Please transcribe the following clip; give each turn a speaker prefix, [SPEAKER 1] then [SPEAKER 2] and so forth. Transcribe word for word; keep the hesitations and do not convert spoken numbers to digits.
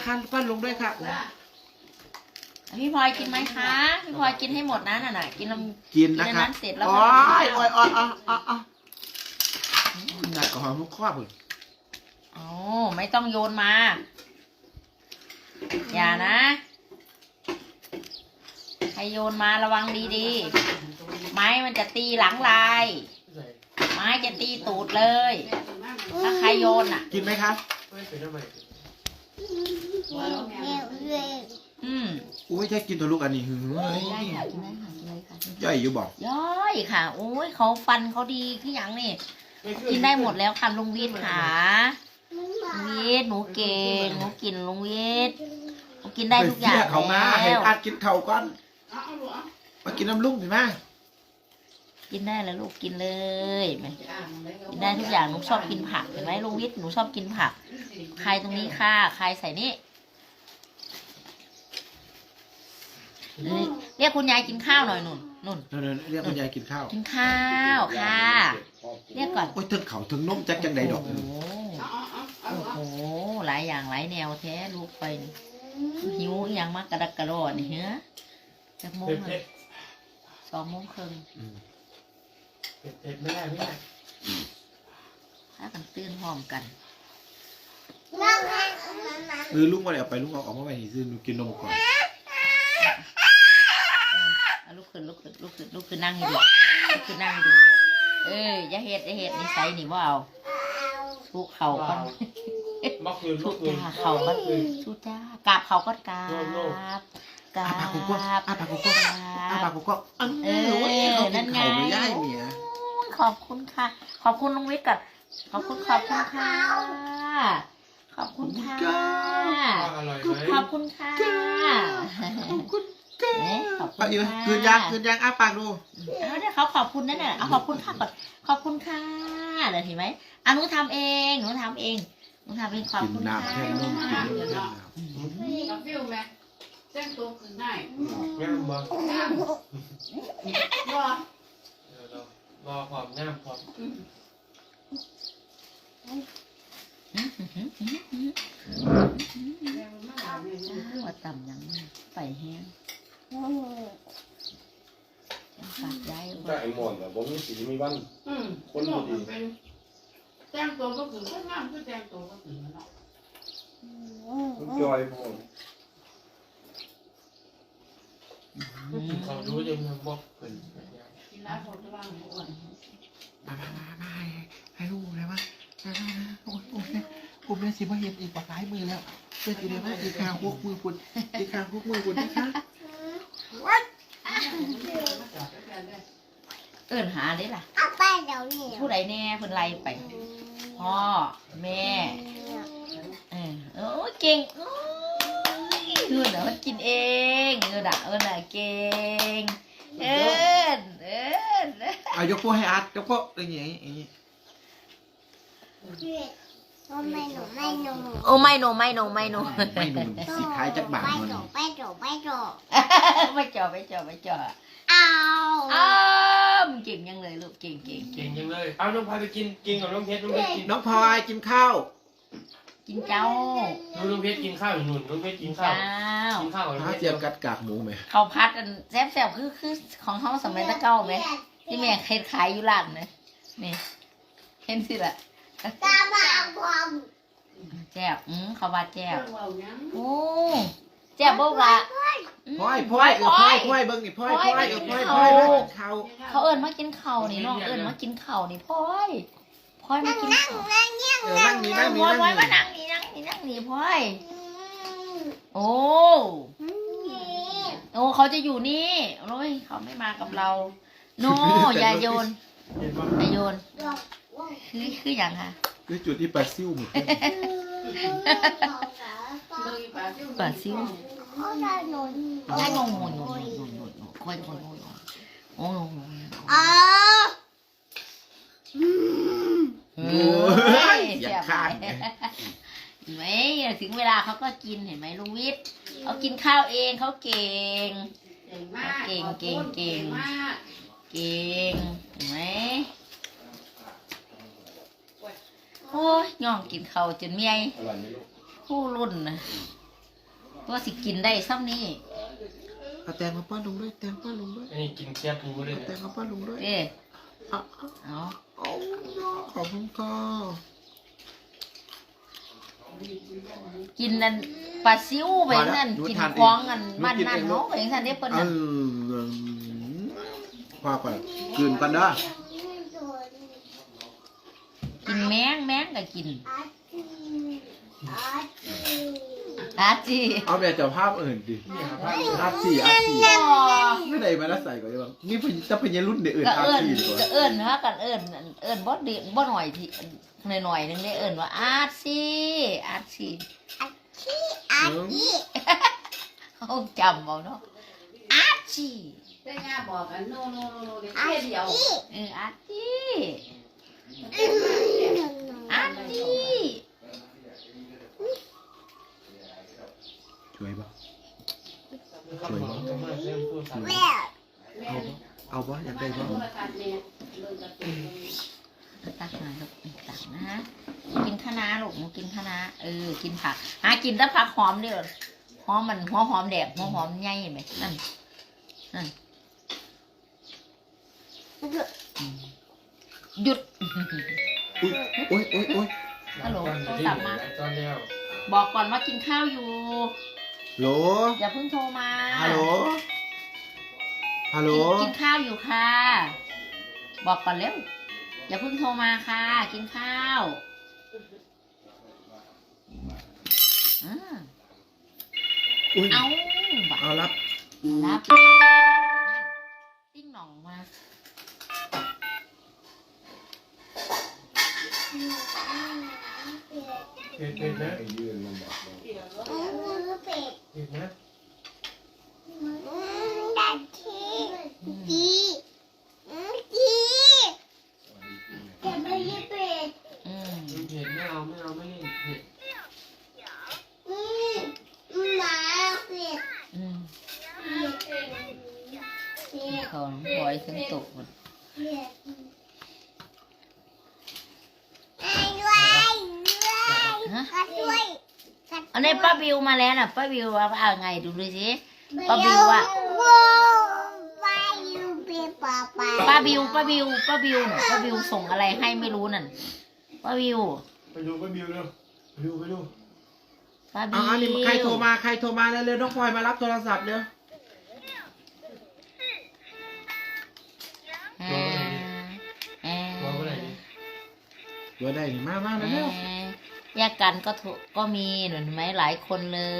[SPEAKER 1] ค่ะปั้นลงด้วยค่ะ
[SPEAKER 2] พี่พลอยกินไหมคะพี่พลอยกินให้หมดนะน่ะน่ะกินลำ
[SPEAKER 1] กินนะคะ
[SPEAKER 2] เสร็จแล้ว
[SPEAKER 1] โอ้ยโอ้ยโอ้ยอ๋ออ๋ออ๋อหนักกว่าหอมมุกข้อพึ่ง
[SPEAKER 2] โอ้ไม่ต้องโยนมาอย่านะใครโยนมาระวังดีๆไม้มันจะตีหลังลายไม้จะตีตูดเลยถ้าใครโยนอ่ะ
[SPEAKER 1] กินไหมคะ
[SPEAKER 2] อืม
[SPEAKER 1] อุ้ยแค่กินตัวลูกอันนี้หือ
[SPEAKER 2] ได้ค่ะกินได้ค่ะกินเลยค่ะ
[SPEAKER 1] ย่อยอยู่บอก
[SPEAKER 2] ย่อยค่ะโอ้ยเขาฟันเขาดีขึ้นอย่างนี่กินได้หมดแล้วค่ะลุงวิทย์ค่ะลุงวิทย์หนูเก่งหนูกินลุงวิทย์หนูกินได้ทุกอย่าง
[SPEAKER 1] เขามาเห็น
[SPEAKER 2] แล้ว
[SPEAKER 1] อัดกินเข่าก่อนมากินน้ำลุ่มสิแม่
[SPEAKER 2] กินได้แล้วลูกกินเลยไหมกินได้ทุกอย่างหนูชอบกินผักเห็นไหมลุงวิทย์หนูชอบกินผักใครตรงนี้ค่ะใครใส่นี่เรียกคุณยายกินข้าวหน่อยนุ่นนุ่น
[SPEAKER 1] เรียกคุณยายกินข้าว
[SPEAKER 2] กินข้าวค่ะเรียกก่อน
[SPEAKER 1] โอ้ยถึงเขาถึงนมจักจังใดดอก
[SPEAKER 2] โอ้โหโอ้โหหลายอย่างหลายแนวแท้ลูกไปนี่หิวอย่างมากกระดักกระโดดนี่เฮ้ยจะโมงเลยสองโมงครึ่ง
[SPEAKER 3] เผ็ดเผ็ดไม่ได้ไม่ได้
[SPEAKER 2] ถ้ากันตื่นพร้อมกัน
[SPEAKER 1] หรือลุงมาแล้วไปลุงเอาออกมาไปนี่ซื้อกินนมก่อน
[SPEAKER 2] เอาลูกขึ้นลูกขึ้นลูกขึ้นลูกขึ้นนั่งให้ดูลูกขึ้นนั่งให้ดูเอ้ยอย่าเฮ็ดอย่าเฮ็ดนิสัยนี่ว่าเอาสู้เข่าก่อน
[SPEAKER 3] บักคืนบั
[SPEAKER 2] สู้
[SPEAKER 3] กคืน
[SPEAKER 2] จ้าเข่าก่อนสู้จ้ากราบเข่าก่อนกราบกรา
[SPEAKER 1] อา
[SPEAKER 2] บ
[SPEAKER 1] ปากกูก็อาปากกูก็อาปากกูก็เออนั่นไงไม่ได้เนี่ย
[SPEAKER 2] ขอบคุณค่ะขอบคุณลุงวิทย์กับขอบคุณขอบคุณค่ะขอบคุณค่ะ
[SPEAKER 3] อร่อยไหม
[SPEAKER 2] ขอบคุณค่ะ
[SPEAKER 1] ขอบคุณแก
[SPEAKER 2] ขอบคุ
[SPEAKER 1] เอา
[SPEAKER 2] ณ
[SPEAKER 1] อยู่
[SPEAKER 2] ค่ะ
[SPEAKER 1] คืนยางคืนยางอาปากดู
[SPEAKER 2] เอาเดี๋ยวเขาขอบคุณนั่นน่ะเอาขอบคุณค่ะก่อนขอบคุณค่ะเดี๋ยวเห็นไหมอ่ะหนูทำเองหนูทำเองหนูทำเองขอบ
[SPEAKER 1] กิน
[SPEAKER 2] คุณ
[SPEAKER 1] น้ำแค่
[SPEAKER 2] ค่ะ
[SPEAKER 1] นมกินนมแค่น้
[SPEAKER 4] กับฟิวไหมแจ้งตัวคืนได้
[SPEAKER 3] งามบ่
[SPEAKER 4] รอ
[SPEAKER 3] รอความงามความ
[SPEAKER 2] ว่าต่ำยังไปแห้งฝากย้าย
[SPEAKER 5] ถ้าไอ้หมอนแบบผมมีสีมีวัน
[SPEAKER 4] อืมคนบอกมันเป็นแจ้งตัวก็คือแค่งามคือแจ้งตัวก็คือเนาะ
[SPEAKER 5] มันจอยผม
[SPEAKER 3] เขารู้ยังบอกเป็น
[SPEAKER 4] กินแล้วคนจะว่างอ้วน
[SPEAKER 1] ำมามามาให้ลูกเลยมั้ยโอ้ยโอ้ยผมเนี่ยสิมาเห็นอีกปากหลายมือแล้วเพื่อนอีเดียมาอีกคางพวกมือคุณอีกคางพวกมือคุณนะคะ
[SPEAKER 2] เอิ้นหาได้ล่ะ
[SPEAKER 6] เอาไปเดี๋ยวนี้
[SPEAKER 2] ผู้ใดแน่เพิ่นไล่ไปพ่อแม่เออโอ้เก่งโอ้ยเอิ้นน่ะมันกินเองเอิ้นน่ะเอิ้นน่ะเก่งเอิ้นเอิ้น
[SPEAKER 1] เอายกพวกให้อัดยกพวกอย่างงี้อย่างงี้
[SPEAKER 6] ไม่หนูไม่หนู
[SPEAKER 2] โอ้ไม่โนไม่โนไม่โน
[SPEAKER 1] ไม่หนุนสีขายจักบาท
[SPEAKER 6] ไม่
[SPEAKER 1] มัน
[SPEAKER 6] หนูไม่หนูไม่หนู
[SPEAKER 2] ไม่จ่อไม่จ่อไม่จ่อ
[SPEAKER 6] เอา
[SPEAKER 2] อ้าวเก่งยังเลยลูกเก่งเก่ง
[SPEAKER 3] เก่งจังเลยเอาน้องพายไปกินกินกับน้องเพชรน้องเพชรกิน
[SPEAKER 1] น้องพลอยกินข้าว
[SPEAKER 2] กินเจ้า
[SPEAKER 3] น้องเพชรกินข้าวอยู่นู่นน้องเพชรกินข้าว
[SPEAKER 2] เจ้า
[SPEAKER 3] กินข้าวกับน้อง
[SPEAKER 1] ข้า
[SPEAKER 3] เพชร
[SPEAKER 1] เจียมกัดกากหมูไหม
[SPEAKER 2] เขาพัดอันแซ่บแซ่บคือคือของเขาสมัยตะเก้าไหมที่แม่เคยขายอยู่ร้านนะนี่เห็นสิล่ะ
[SPEAKER 6] ตาบาพร้อม
[SPEAKER 2] แจ่บอืมเขาว่าแจ่
[SPEAKER 4] เรื่
[SPEAKER 2] บ
[SPEAKER 4] องเรายัง
[SPEAKER 2] โอ้แจ่บบุกละ
[SPEAKER 1] พลอยพลอยเออพลอยพลอยเบิ้งนี่พลอยพลอยเออพลอยพลอยมากินข้าว
[SPEAKER 2] เขาเอิญมากินเข่าวนี่น้องเอิญมากินเข่าวนี่พลอยพลอยมากิน
[SPEAKER 6] นั่ง
[SPEAKER 2] ข้าว
[SPEAKER 6] นั่งเงี้ย
[SPEAKER 1] เออนั่งนี่นั่ง
[SPEAKER 2] พ
[SPEAKER 1] นี่
[SPEAKER 2] ลอย
[SPEAKER 1] นั่ง
[SPEAKER 2] พลอยมา
[SPEAKER 1] นี่
[SPEAKER 2] นั่งนี่นั่งนี่นั่งนี่พลอยโอ้โอ้เขาจะอยู่นี่โอ้ยเขาไม่มากับเราโนอย่าโยน
[SPEAKER 3] เห็นปะ
[SPEAKER 2] อย่าโยนคือคืออย่างค่ะ
[SPEAKER 1] คือจุดที่ปลาซิ่วหมด
[SPEAKER 4] เลยปลาซิว
[SPEAKER 2] ปลาซิว
[SPEAKER 6] เขาจะหนุน
[SPEAKER 2] ใช่งงงงงงงงงงคอยคอยคอยโอ้งง
[SPEAKER 6] อ๋อ
[SPEAKER 2] เฮ้ย
[SPEAKER 1] อย่า
[SPEAKER 2] เสียบ
[SPEAKER 1] ข้าง
[SPEAKER 2] เห็นไหมถึงเวลาเขาก็กินเห็นไหมลุงวิทย์เขากินข้าวเองเขาเก่ง
[SPEAKER 4] เก่งมาก
[SPEAKER 2] เก่งเก่งเก่ง
[SPEAKER 4] มาก
[SPEAKER 2] เก่งเห็นไหมโอ้ยย่องกินข้าวจนเมีย
[SPEAKER 5] อร่อยไหมลูก
[SPEAKER 2] ผู้รุ่นนะก็สิกินได้ซ้ำนี่
[SPEAKER 1] เอาแตงมาป้อนลุงด้วยแตงป้อนลุงด้วย
[SPEAKER 3] อันนี้กินแค่ปูเลย
[SPEAKER 1] เอาแต
[SPEAKER 3] เนี่ย
[SPEAKER 1] งมาป้อนลุงด้วย
[SPEAKER 2] เอ๊ะ
[SPEAKER 1] เอาเอา
[SPEAKER 2] เอา
[SPEAKER 1] เอาขอบคุณค่ะ
[SPEAKER 2] กินนั่นปลาซิวไปนั่นกินคล้องกันบ้านนั่นเนาะไปสั่นได้เปิ้น
[SPEAKER 1] เอ
[SPEAKER 2] น่ะ
[SPEAKER 1] อพอก่อนคืนกันเด้อ
[SPEAKER 2] กินแมงแมงก็กิน
[SPEAKER 6] อาจีอาจี
[SPEAKER 2] อาจี
[SPEAKER 1] เอาแบบเจ้าภาพอื่นดิอาสี่อาสี่ไม่ได้มาแล้วใส่ก่อนได้บ้างนี่พจะพยรุ่นเดือื่น
[SPEAKER 2] ก็
[SPEAKER 1] อา
[SPEAKER 2] เอิ้น
[SPEAKER 1] สี่ดีกว่า
[SPEAKER 2] ก็เอิ้นฮะกันเอิ้นเอิ้นบ่ดีบ่หน่อยที่หน่อยๆนึงได้เอิ้นว่าอาจีอาจี
[SPEAKER 6] อาจี
[SPEAKER 2] เขาจำเอาเนาะอาจี
[SPEAKER 4] แต่ย่าบอกกันโนโนโนเดี๋ยว
[SPEAKER 6] อา
[SPEAKER 4] แค่
[SPEAKER 6] จี
[SPEAKER 4] เดียว
[SPEAKER 2] เอออาจีอาจี
[SPEAKER 1] ช่วยปะ
[SPEAKER 3] ข้าวหอมก็มาเริ่มพูดสาม
[SPEAKER 6] แม่
[SPEAKER 1] เอาปะเอาปะอยากได้ปะ
[SPEAKER 4] โทรศัพท์เนี่ยเลิกกับตัว
[SPEAKER 2] ตักหน่อยลูกตักนะกินคะน้าลูกหนูกินคะน้าเออกินผักหากินแต่ผักหอมเด้อหอมมันหัวหอมแดดหัวหอมใหญ่ไหมนั่นนั่นหยุด
[SPEAKER 1] อุ้ยโอ้ยโอ้ยโอ้ย
[SPEAKER 2] ฮัลโหล
[SPEAKER 3] ตอน
[SPEAKER 2] โทร
[SPEAKER 3] ที่
[SPEAKER 2] ศัพท์มา
[SPEAKER 3] ตอนแล้ว
[SPEAKER 2] บอกก่อนว่ากินข้าวอยู่
[SPEAKER 1] โหล
[SPEAKER 2] อย่าเพิ่งโทรมา
[SPEAKER 1] ฮัลโหลฮัลโหล
[SPEAKER 2] กินกินข้าวอยู่ค่ะ บอกก่อนเร็วอย่าเพิ่งโทรมาค่ะ กินข้าวอ่า
[SPEAKER 1] อุ้ย
[SPEAKER 2] เอาบั
[SPEAKER 1] เอารับ
[SPEAKER 2] รับติ้งหน่องมา
[SPEAKER 3] เผ็ดเผ็ดนะ
[SPEAKER 5] ไอ้ยืนมันบอกว่า
[SPEAKER 6] มือเป็ด
[SPEAKER 3] เผ็ดนะ
[SPEAKER 6] ดันทีจีจีจะไม่ยืดเป็ด
[SPEAKER 2] อืม
[SPEAKER 3] เผ็ดไม่เอาไม่เอาไม่เล่นเผ็ด
[SPEAKER 6] อืมหมาเป็ด
[SPEAKER 2] อืม
[SPEAKER 6] เป็ด
[SPEAKER 2] เขาบอยถึงตกหมด
[SPEAKER 6] เป็ดไอ้ด้วยด้วย
[SPEAKER 2] ฮะ
[SPEAKER 6] กัดด้วย
[SPEAKER 2] อันนี้ป้าบิวมาแล้วน่ะป้าบิวว่าเอาไงดูดูสิ ป้าบิวอะ
[SPEAKER 6] ป้าบิวเป็นป้าป้า
[SPEAKER 2] ป้าบิวป้าบิวป้าบิวน่ะป้าบิวส่งอะไรให้ไม่รู้นั่นป้าบิว
[SPEAKER 3] ไปดูไปบิวเร็วไปดูไปดู
[SPEAKER 2] ป้าบิ
[SPEAKER 1] เอา
[SPEAKER 2] ว
[SPEAKER 1] อันนี้ใครโทรมาใครโทรมาเร็วๆน้องพลอยมารับโทรศัพท์เร็ว
[SPEAKER 2] อ่าอ่า
[SPEAKER 3] บอกว่าอะไรดี
[SPEAKER 1] เดี๋ยวได้นี่มามา
[SPEAKER 2] อ่า
[SPEAKER 1] เร็ว
[SPEAKER 2] แยกกันก็ถูกก็มีเห็นไหมหลายคนเลย